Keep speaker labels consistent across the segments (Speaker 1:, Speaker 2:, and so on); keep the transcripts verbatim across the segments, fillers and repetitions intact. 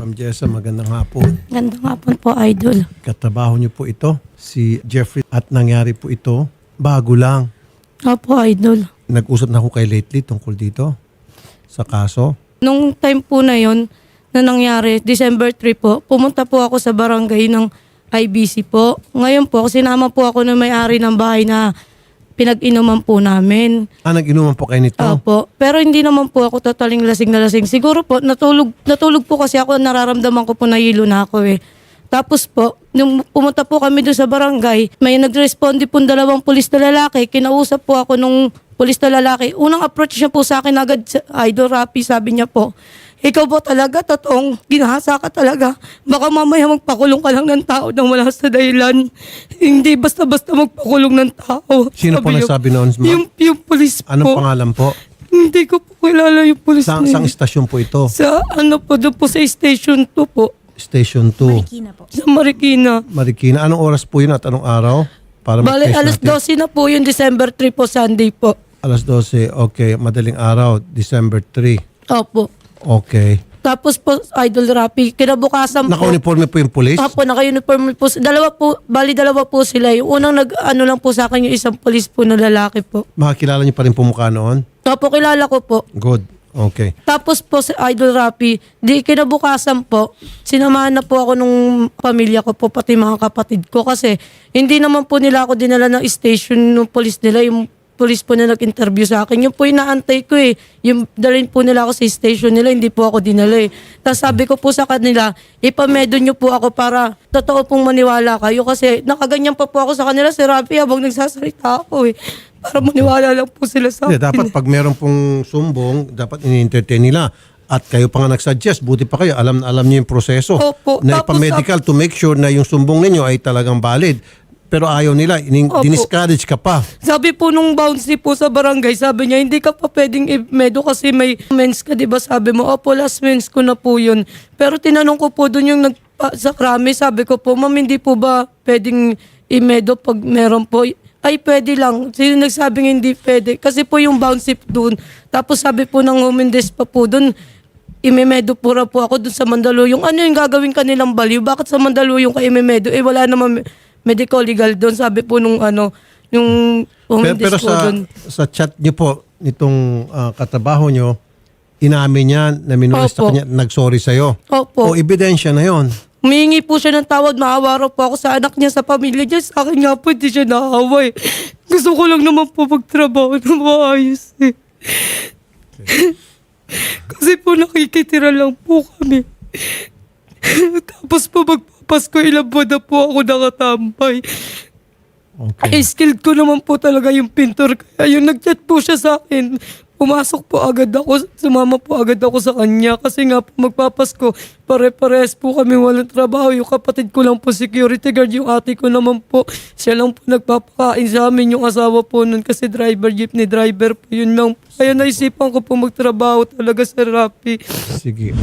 Speaker 1: Ma'am Jessa, magandang hapon.
Speaker 2: Gandang hapon po, Idol.
Speaker 1: Katrabaho niyo po ito, si Jeffrey, at nangyari po ito, bago lang.
Speaker 2: Opo, Idol.
Speaker 1: Nag-usap na ako kay lately tungkol dito sa kaso.
Speaker 2: Nung time po na yon na nangyari, December third po, pumunta po ako sa barangay ng I B C po. Ngayon po, sinama po ako ng may-ari ng bahay na pinag-inuman po namin.
Speaker 1: Ah, nag-inuman po kayo nito?
Speaker 2: Opo. Pero hindi naman po ako totaling lasing na lasing. Siguro po, natulog, natulog po kasi ako, nararamdaman ko po na hilo na ako eh. Tapos po, nung pumunta po kami doon sa barangay, may nag-responde po dalawang pulis na lalaki. Kinausap po ako nung pulis na lalaki. Unang approach niya po sa akin agad, Idol Rapi, sabi niya po, ikaw po talaga, totoong ginahasa ka talaga. Baka mamaya magpakulong ka lang ng tao nang wala sa dahilan. Hindi basta-basta magpakulong ng tao.
Speaker 1: Sino po
Speaker 2: niya-
Speaker 1: nagsabi noon, ma'am?
Speaker 2: Yung, yung pulis
Speaker 1: Anong
Speaker 2: po.
Speaker 1: pangalan po?
Speaker 2: Hindi ko po kilala yung pulis
Speaker 1: Sa,
Speaker 2: na
Speaker 1: sang
Speaker 2: yun.
Speaker 1: istasyon po ito?
Speaker 2: Sa ano po, doon po sa station two po.
Speaker 1: Station two.
Speaker 2: Sa Marikina.
Speaker 1: Marikina. Anong oras po yun at anong araw? Para
Speaker 2: Bale,
Speaker 1: ma-trace
Speaker 2: alas
Speaker 1: natin.
Speaker 2: twelve na po yung December third po, Sunday po.
Speaker 1: Alas twelve. Okay. Madaling araw. December third.
Speaker 2: Opo.
Speaker 1: Okay.
Speaker 2: Tapos po, Idol Rapi, kinabukasan po.
Speaker 1: Naka-uniforme po yung police?
Speaker 2: Opo, naka-uniform po. Dalawa po, bali dalawa po sila. Yung unang nag, ano lang po sa akin, yung isang polis po na lalaki po.
Speaker 1: Makakilala niyo pa rin po mukha noon?
Speaker 2: Opo, kilala ko po.
Speaker 1: Good. Okay.
Speaker 2: Tapos po sa Idol Rapi, di kinabukasan po, sinamahan na po ako nung pamilya ko po, pati mga kapatid ko. Kasi hindi naman po nila ako dinala ng station ng police nila, yung police po na nag-interview sa akin. Yung po yung naantay ko eh. Yung dalhin po nila ako sa station nila, hindi po ako dinala eh. Tapos sabi ko po sa kanila, ipamedo nyo po ako para totoo pong maniwala kayo. Kasi nakaganyan pa po ako sa kanila, si Rafi, habang nagsasalita ako eh. Para maniwala lang po sila sa
Speaker 1: Hindi,
Speaker 2: akin.
Speaker 1: dapat pag meron pong sumbong, dapat ini-entertain nila. At kayo pa nga nag-suggest, buti pa kayo, alam na alam niyo yung proseso.
Speaker 2: Opo.
Speaker 1: Na
Speaker 2: Tapos
Speaker 1: ipa-medical to make sure na yung sumbong ninyo ay talagang valid. Pero ayaw nila, ining-
Speaker 2: Opo.
Speaker 1: diniscourage ka pa.
Speaker 2: Sabi po nung bouncy po sa barangay, sabi niya, hindi ka pa pwedeng i-medo kasi may mens ka, di ba? Sabi mo, opo, last mens ko na po yun. Pero tinanong ko po doon yung nag, sa krami, sabi ko po, ma'am, hindi po ba pwedeng i-medo pag meron po? Ay, pwede lang. Sino nagsabing hindi pwede? Kasi po yung bouncy doon. Tapos sabi po ng humindes pa po doon, imemedo po ra po ako doon sa Mandaluyong. Ano yung gagawin kanilang baliw? Bakit sa Mandaluyong ka imemedo? Eh, wala naman medical legal doon. Sabi po nung ano, yung
Speaker 1: Pero,
Speaker 2: humindes
Speaker 1: pero
Speaker 2: po
Speaker 1: sa,
Speaker 2: doon.
Speaker 1: sa chat niyo po, nitong ah, katrabaho niyo, inamin niya na minolest sa
Speaker 2: Opo.
Speaker 1: kanya, nag-sorry sa'yo.
Speaker 2: Opo.
Speaker 1: O ebidensya na yon.
Speaker 2: Humingi po siya ng tawad, maawa raw po ako sa anak niya, sa pamilya niya. Sa akin nga po, hindi siya naawa eh. Gusto ko lang naman po magtrabaho na maayos eh. Kasi po nakikitira lang po kami. Tapos po magpapasko, ilang buwan na po ako nakatambay.
Speaker 1: Okay.
Speaker 2: Eh, skilled ko naman po talaga yung pintor. Kaya yung nag-chat po siya sa akin, pumasok po agad ako, sumama po agad ako sa kanya. Kasi nga po magpapasko, pare-pares po kami walang trabaho. Yung kapatid ko lang po security guard, yung ate ko naman po, siya lang po nagpapakain sa amin, yung asawa po nun kasi driver, jeepney driver po, yun lang. Kaya naisipan ko po magtrabaho talaga sa Rappi.
Speaker 1: Sige.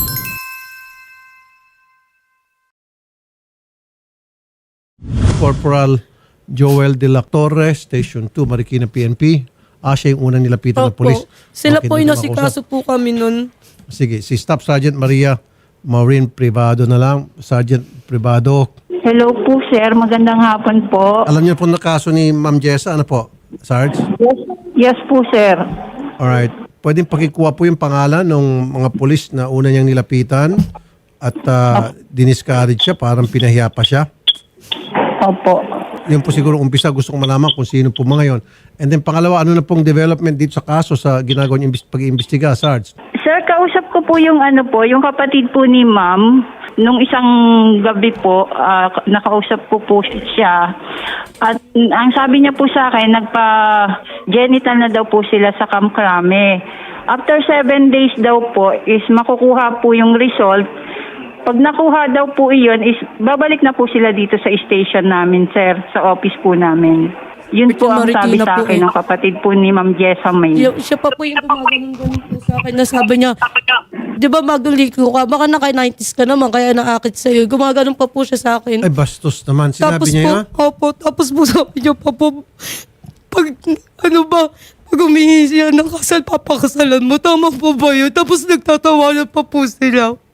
Speaker 1: Corporal Joel De La Torre, Station two, Marikina P N P. Ah, siya yung unang nilapitan ng
Speaker 2: Opo.
Speaker 1: polis.
Speaker 2: Sila
Speaker 1: Okay,
Speaker 2: po
Speaker 1: doon
Speaker 2: yung
Speaker 1: na makausap.
Speaker 2: nasikaso po kami nun.
Speaker 1: Sige, si Staff Sergeant Maria Maureen Privado na lang. Sergeant Privado.
Speaker 3: Hello po, sir. Magandang hapon po.
Speaker 1: Alam niyo po na kaso ni Ma'am Jessa, ano po? Sarge?
Speaker 3: Yes po, sir.
Speaker 1: Alright. Pwedeng pakikuha po yung pangalan ng mga pulis na una niyang nilapitan at uh, diniscourage siya, parang pinahiya pa siya.
Speaker 3: Opo.
Speaker 1: Yun po siguro umpisa, gusto kong malaman kung sino po mga yon. And then pangalawa, ano na pong development dito sa kaso sa ginagawa niyong imbis- pag-iimbestiga, Sarge?
Speaker 3: Sir, kausap ko po yung ano po, yung kapatid po ni ma'am. Nung isang gabi po, ah, nakausap ko po siya. At mm, ang sabi niya po sa akin, nagpa-genital na daw po sila sa Camp Crame. After seven days daw po is makukuha po yung result. Pag nakuha daw po iyon is babalik na po sila dito sa station namin, sir, sa office po namin. Yun
Speaker 2: Ito,
Speaker 3: po ang sabi
Speaker 2: Marikina
Speaker 3: sa
Speaker 2: po
Speaker 3: akin
Speaker 2: eh.
Speaker 3: ng kapatid po ni Ma'am Jessa May.
Speaker 2: Yung, siya pa po yung gumagano'n po sa akin na sabi niya, di ba maguliko ka? Baka naka-nineties ka naman, kaya naakit sa'yo. Gumaganon pa po siya sa akin.
Speaker 1: Ay, bastos naman. Sinabi
Speaker 2: tapos
Speaker 1: niya
Speaker 2: po,
Speaker 1: yun?
Speaker 2: opo, tapos po sabi niya pa po, pag, ano ba, pag humingi siya ng kasal, papakasalan mo, tama po ba yun? Tapos nagtatawanan pa po sila.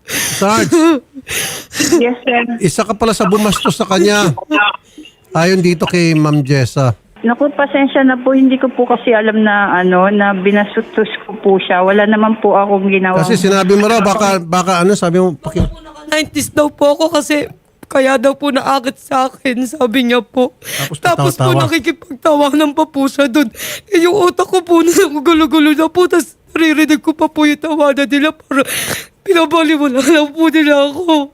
Speaker 1: Sarge,
Speaker 3: Yes, sir.
Speaker 1: isa ka pala sa bumastos sa kanya. Ayon dito kay Ma'am Jessa.
Speaker 3: Naku, pasensya na po. Hindi ko po kasi alam na ano, na binasutos ko po siya. Wala naman po akong ginawa.
Speaker 1: Kasi sinabi mo raw, baka, baka ano, sabi mo, paki...
Speaker 2: nineties daw po ako kasi kaya daw po naakit sa akin, sabi niya po.
Speaker 1: Tapos
Speaker 2: Tapos po
Speaker 1: patawa-tawa.
Speaker 2: nakikipagtawanan pa po siya doon. Eh, yung utak ko po na gulo-gulo na po, tapos naririnig ko pa po yung tawanan nila para pinabaliwala lang po nila ako.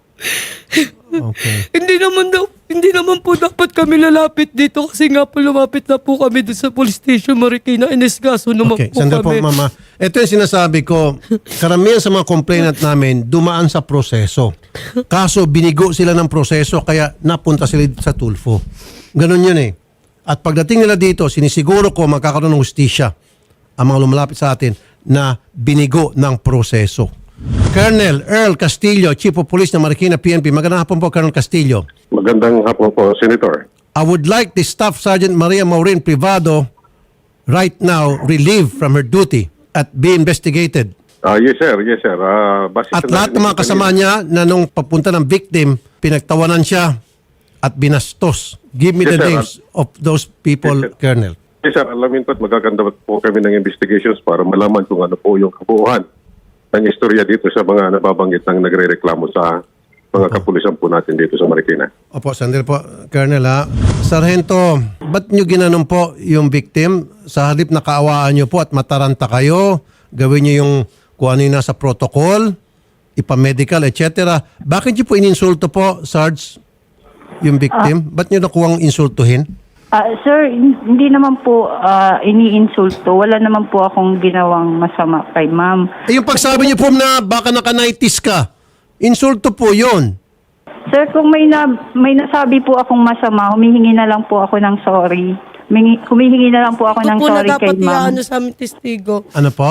Speaker 1: Okay.
Speaker 2: Hindi naman daw, hindi naman po dapat kami lalapit dito kasi nga po lumapit na po kami doon sa police station Marikina. Inesgaso naman
Speaker 1: Okay,
Speaker 2: po
Speaker 1: sandali po,
Speaker 2: kami.
Speaker 1: Mama. Ito yung sinasabi ko, karamihan sa mga complainant namin, dumaan sa proseso. Kaso, binigo sila ng proseso, kaya napunta sila sa Tulfo. Ganon yun eh. At pagdating nila dito, sinisiguro ko magkakaroon ng hustisya ang mga lumalapit sa atin na binigo ng proseso. Colonel Earl Castillo, Chief of Police ng Marikina P N P. Magandang hapon po, Colonel Castillo.
Speaker 4: Magandang hapon po, Senator.
Speaker 1: I would like the Staff Sergeant Maria Maureen Privado right now relieved from her duty at be investigated.
Speaker 4: Ah, yes, sir. Yes, sir. Ah, base
Speaker 1: At
Speaker 4: sa
Speaker 1: lahat ng mga
Speaker 4: narinig
Speaker 1: kasama
Speaker 4: kanina-
Speaker 1: niya na nung papunta ng victim, pinagtawanan siya at binastos. Give me
Speaker 4: Yes,
Speaker 1: the
Speaker 4: sir.
Speaker 1: names of those people,
Speaker 4: Yes, sir.
Speaker 1: Colonel.
Speaker 4: Yes, sir. Alamin po at magaganda po kami ng investigations para malaman kung ano po yung kabuuan ng istorya dito sa mga nababanggit ng nagre-reklamo sa mga kapulisan po natin dito sa Marikina.
Speaker 1: Opo, sandali po, Colonel ha. Sargento, ba't nyo ginanon po yung victim? Sa halip na kaawaan nyo po at mataranta kayo, gawin nyo yung kung ano yung nasa protocol, ipamedical, et cetera. Bakit nyo po ininsulto po, Sarge, yung victim? Ba't nyo nakuwang insultuhin?
Speaker 3: Ah, sir, hindi naman po ah, iniinsulto. Wala naman po akong ginawang masama kay ma'am.
Speaker 1: Eh, yung pagsabi niyo po na baka naka-nineties ka, insulto po yun.
Speaker 3: Sir, kung may, na, may nasabi po akong masama, humihingi na lang po ako ng sorry. Humingi, humihingi na lang po ako
Speaker 2: Ito
Speaker 3: ng
Speaker 2: po na
Speaker 3: sorry kay
Speaker 2: dapat
Speaker 3: ma'am.
Speaker 2: iano sa aming testigo.
Speaker 1: Ano po?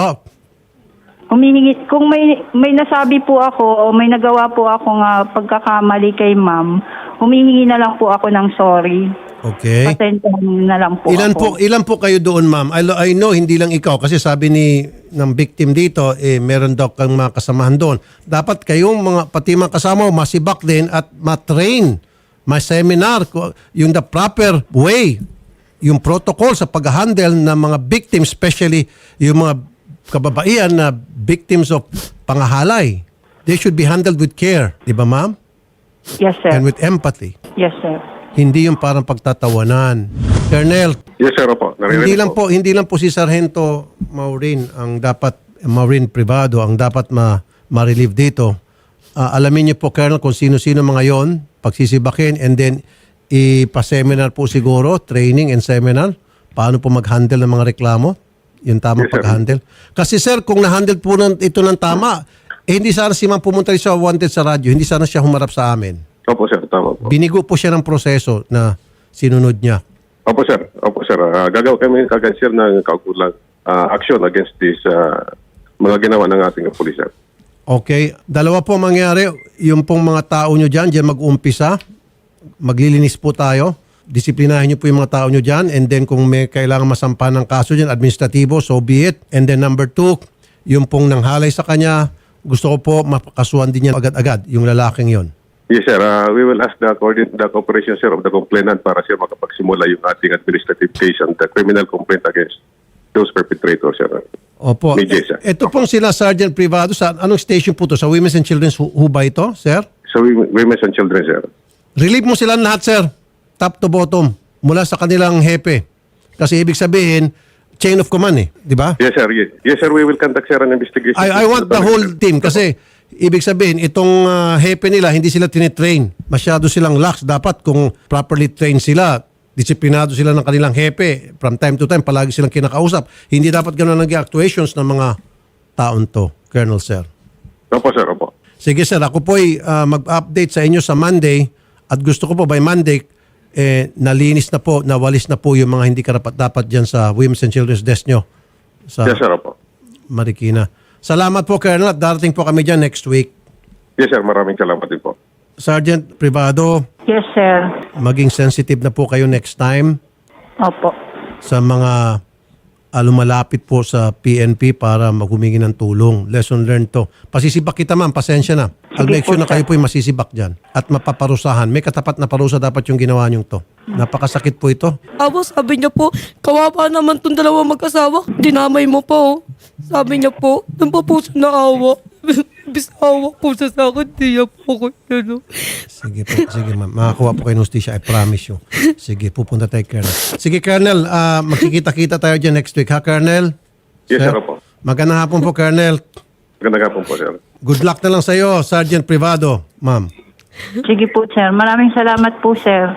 Speaker 3: Humihingi, kung may, may nasabi po ako o may nagawa po akong ah, pagkakamali kay ma'am, humihingi na lang po ako ng sorry.
Speaker 1: Okay.
Speaker 3: Pasensyahan na lang po
Speaker 1: Ilan
Speaker 3: ako.
Speaker 1: po ilan po kayo doon, ma'am? I, I know hindi lang ikaw kasi sabi ni ng victim dito eh meron daw kang mga kasamahan doon. Dapat kayong mga pati mga kasama mo masibak din at ma-train, ma-seminar ko- yung the proper way, yung protocol sa pag-handle ng mga victims, especially yung mga kababaihan na victims of pangahalay. They should be handled with care, di ba, ma'am?
Speaker 3: Yes, sir.
Speaker 1: And with empathy.
Speaker 3: Yes, sir.
Speaker 1: Hindi yung parang pagtatawanan. Colonel,
Speaker 4: Yes, sir. Opo. Naririnig
Speaker 1: hindi lang po hindi lang po si Sargento Maureen ang dapat Maureen Privado ang dapat ma ma-relieve dito. Ah, alamin niyo po, Colonel, kung sino-sino mga yon, pagsisibakin, and then ipa-seminar po siguro, training and seminar, paano po mag-handle ng mga reklamo, yung tamang
Speaker 4: Yes, sir.
Speaker 1: pag-handle. Kasi sir, kung na-handle po ng, ito ng tama, eh, hindi sana si ma'am pumunta rin sa Wanted sa radyo, hindi sana siya humarap sa amin.
Speaker 4: Opo, sir. Tama po.
Speaker 1: Binigo po siya ng proseso na sinunod niya.
Speaker 4: Opo, sir. Opo, sir. Uh, gagawa kami kagad, sir, ng kaukulang uh, action against this uh, mga ginawa ng ating kapulisan.
Speaker 1: Okay. Dalawa po mangyari. Yung pong mga tao nyo dyan, dyan mag-umpisa. Maglilinis po tayo. Disiplinahin nyo po yung mga tao nyo dyan. And then kung may kailangan masampa ng kaso dyan, administratibo, so be it. And then number two, yung pong nanghalay sa kanya, gusto ko po mapakasuhan din yan agad-agad, yung lalaking yon.
Speaker 4: Yes, sir. Uh, we will ask the, coordin- the cooperation, sir, of the complainant para siya makapagsimula yung ating administrative case and the criminal complaint against those perpetrators, sir.
Speaker 1: Opo.
Speaker 4: May Jessa.
Speaker 1: E- Ito pong sila Sergeant Privado, sa anong station po to? Sa Women's and Children's Hu- Hu ba ito, sir?
Speaker 4: So, we, women and children, sir.
Speaker 1: Relieve mo sila lahat, sir. Top to bottom. Mula sa kanilang hepe. Kasi ibig sabihin, chain of command eh. Di ba?
Speaker 4: Yes, sir. Yes, yes, sir. We will conduct, sir, an investigation.
Speaker 1: I, I want the whole team kasi ibig sabihin, itong uh, hepe nila, hindi sila tinitrain. Masyado silang lax. Dapat kung properly trained sila, disiplinado sila ng kanilang hepe. From time to time, palagi silang kinakausap. Hindi dapat gano'n naging actuations ng mga taon to, Colonel Sir.
Speaker 4: Opo, sir. Opo.
Speaker 1: Sige sir, ako po'y uh, mag-update sa inyo sa Monday at gusto ko po by Monday, eh, nalinis na po, nawalis na po yung mga hindi karapat-dapat dyan sa Women's and Children's Desk nyo sa
Speaker 4: Yes, sir. Opo.
Speaker 1: Marikina. Salamat po, Colonel, at darating po kami dyan next week.
Speaker 4: Yes, sir. Maraming salamat din po.
Speaker 1: Sergeant Privado,
Speaker 3: Yes, sir.
Speaker 1: maging sensitive na po kayo next time
Speaker 3: Opo.
Speaker 1: sa mga uh, lumalapit po sa P N P para maghumingi ng tulong. Lesson learned to. Pasisibak kita, ma'am. Pasensya na. I'll
Speaker 3: Sige
Speaker 1: make sure
Speaker 3: po,
Speaker 1: na kayo
Speaker 3: sir.
Speaker 1: po'y masisibak dyan at mapaparusahan. May katapat na parusa dapat yung ginawa niyong to. Napakasakit po ito.
Speaker 2: Awa, sabi niya po, kawawa naman tong dalawa mag-asawa. Dinamay mo pa oh. Sabi niya po, doon pa po siya naawa. Bisawa po siya sa akin, di niya po ko ano.
Speaker 1: Sige po, sige ma'am. Makakuha po kayo ng hustisya, I promise you. Sige, pupunta tayo, Colonel. Sige, Colonel, ah, magkikita-kita tayo dyan next week, ha, Colonel?
Speaker 4: Yes, sir, opo.
Speaker 1: Magandang hapon po, Colonel.
Speaker 4: Magandang hapon po, sir.
Speaker 1: Good luck na lang sa iyo, Sergeant Privado, ma'am.
Speaker 3: Sige po, sir. Maraming salamat po, sir.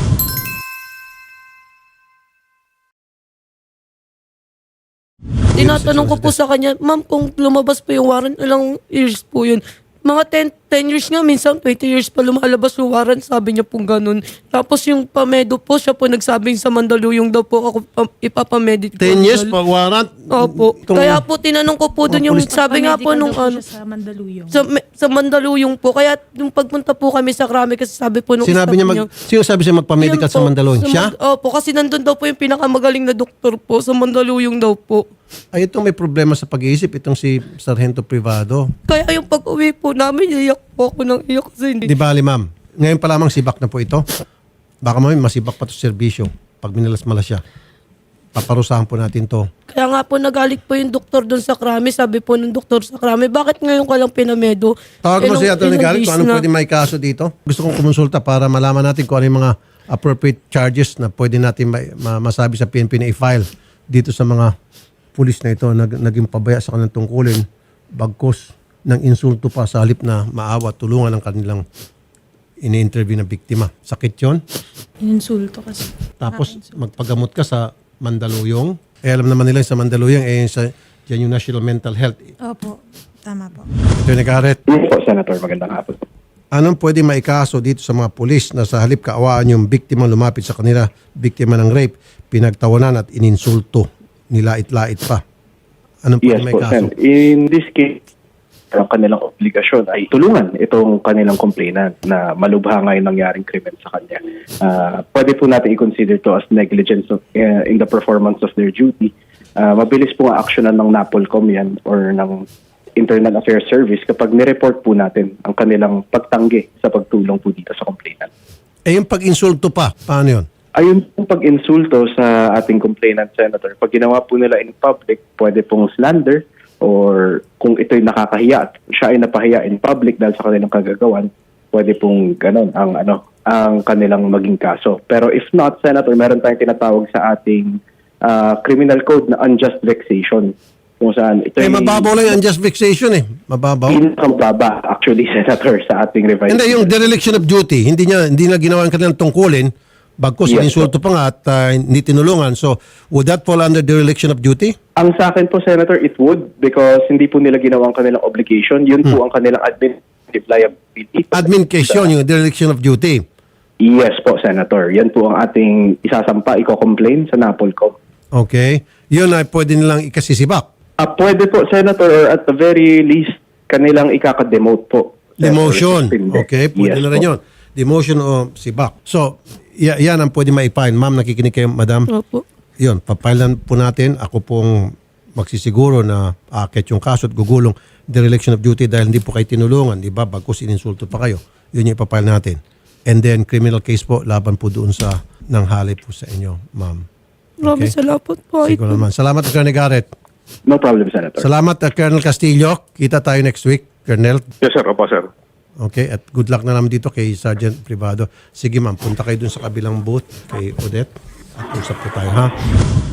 Speaker 2: Tinatanong ko po sa kanya, ma'am, kung lumabas po yung warrant, ilang years po yun? Mga ten, ten years nga, minsan twenty years pa lumalabas yung warrant, sabi niya pong ganun. Tapos yung pamedo po, siya po nagsabing sa Mandaluyong daw po ako um, ipapamedit.
Speaker 1: Ten years pa warrant?
Speaker 2: Opo.
Speaker 1: Itong-
Speaker 2: Kaya po tinanong ko po doon yung sabi nga po nung ano,
Speaker 5: sa Mandaluyong.
Speaker 2: sa, me- sa Mandaluyong po. Kaya nung pagpunta po kami sa Krami kasi sabi po nung
Speaker 1: Sinabi niya, mag, sino sabi siya magpa-medical
Speaker 2: Yun
Speaker 1: sa
Speaker 2: po,
Speaker 1: Mandaluyong?
Speaker 2: sa
Speaker 1: Siya?
Speaker 2: Mand- Opo, kasi nandun daw po yung pinakamagaling na doktor po sa Mandaluyong daw po.
Speaker 1: Ay, itong may problema sa pag-iisip, itong si Sargento Privado.
Speaker 2: Kaya yung pag-uwi po namin, iyak po ako ng iyak kasi hindi.
Speaker 1: Di bali, ma'am. Ngayon pa lamang sibak na po ito. Baka mami, masibak pa ito sa serbisyo. Pag minalas-malas siya. Paparusahan po natin to.
Speaker 2: Kaya nga po nagalit po yung doktor doon sa Krami. Sabi po ng doktor sa Krami, bakit ngayon ka lang pinamedo?
Speaker 1: Tawag mo
Speaker 2: Ilang-
Speaker 1: si Atty.
Speaker 2: ilang
Speaker 1: Garrett kung
Speaker 2: days
Speaker 1: anong
Speaker 2: na.
Speaker 1: pwede may kaso dito. Gusto kong kumonsulta para malaman natin kung ano yung mga appropriate charges na pwede natin ma- ma- masabi sa P N P na i-file dito sa mga pulis na ito nag, naging pabaya sa kanilang tungkulin bagkos ng insulto pa sa halip na maawa, tulungan ang kanilang ini-interview na biktima. Sakit yon.
Speaker 5: Insulto kasi.
Speaker 1: Tapos magpagamot ka sa Mandaluyong. Eh alam naman nila sa Mandaluyong eh sa yan yung National Mental Health.
Speaker 5: Opo, tama po.
Speaker 1: Atty. Garrett,
Speaker 6: Yes po, Senator. Magandang hapon.
Speaker 1: anong pwede maikaso dito sa mga pulis na sa halip kaawaan yung biktima lumapit sa kanila, biktima ng rape, pinagtawanan at ininsulto, nilait-lait pa? Anong pwede
Speaker 6: Yes po,
Speaker 1: maikaso?
Speaker 6: Sen. In this case, ang kanilang obligasyon ay tulungan itong kanilang complainant na malubha nga yung nangyaring krimen sa kanya. Ah, pwede po natin i-consider to as negligence of, eh, in the performance of their duty. Ah, mabilis po nga aksyonan ng NAPOLCOM yan or ng Internal Affairs Service kapag nireport po natin ang kanilang pagtanggi sa pagtulong po dito sa complainant.
Speaker 1: Eh yung pag-insulto pa, paano yun?
Speaker 6: Ayun pong pag-insulto sa ating complainant, Senator, pag ginawa po nila in public, pwede pong slander or kung ito'y nakakahiya at siya ay napahiya in public dahil sa kanilang kagagawan, pwede pong ganon ang, ano, ang kanilang maging kaso. Pero if not, Senator, meron tayong tinatawag sa ating ah, criminal code na unjust vexation. Kung saan ito'y
Speaker 1: Eh mababaw lang yung unjust vexation eh. Mababaw.
Speaker 6: pinakababa actually, Senator, sa ating revised.
Speaker 1: Hindi, yung dereliction of duty, hindi niya hindi na ginawa ang kanilang tungkulin, bagkos
Speaker 6: Yes,
Speaker 1: ininsulto pa nga at ah, hindi tinulungan. So, would that fall under dereliction of duty?
Speaker 6: Ang sa akin po, Senator, it would because hindi po nila ginawa ang kanilang obligation. Yun po ang kanilang administrative liability.
Speaker 1: Admin case yun, yung dereliction of duty.
Speaker 6: Yes po, Senator. Yan po ang ating isasampa, i-complain sa NAPOLCOM.
Speaker 1: Okay. Yun ay pwede nilang ikasisibak.
Speaker 6: Ah, pwede po, Senator, or at the very least, kanilang ikaka-demote po.
Speaker 1: Demotion.
Speaker 6: Senator.
Speaker 1: Okay, pwede
Speaker 6: Yes
Speaker 1: na rin
Speaker 6: po.
Speaker 1: yun. Demotion o sibak. So, y- yan ang pwede ma-file. Ma'am, nakikinig kayo, madam?
Speaker 2: Opo.
Speaker 1: Yun, papailan po natin. Ako pong magsisiguro na akit yung kaso at gugulong dereliction of duty dahil hindi po kayo tinulungan, di ba? Bagkus ininsulto pa kayo. Yun yung ipapile natin. And then, criminal case po, laban po doon sa nanghali po sa inyo, ma'am.
Speaker 2: Maraming
Speaker 1: Okay.
Speaker 2: salamat po.
Speaker 1: Siguro naman. Salamat, Colonel Garrett.
Speaker 6: No problem, Senator.
Speaker 1: Salamat, uh, Colonel Castillo. Kita tayo next week, Colonel.
Speaker 4: Yes, sir. Opo, sir.
Speaker 1: Okay, at good luck na naman dito kay Sergeant Privado. Sige ma'am, punta kayo dun sa kabilang booth kay Odette at usap po tayo, ha?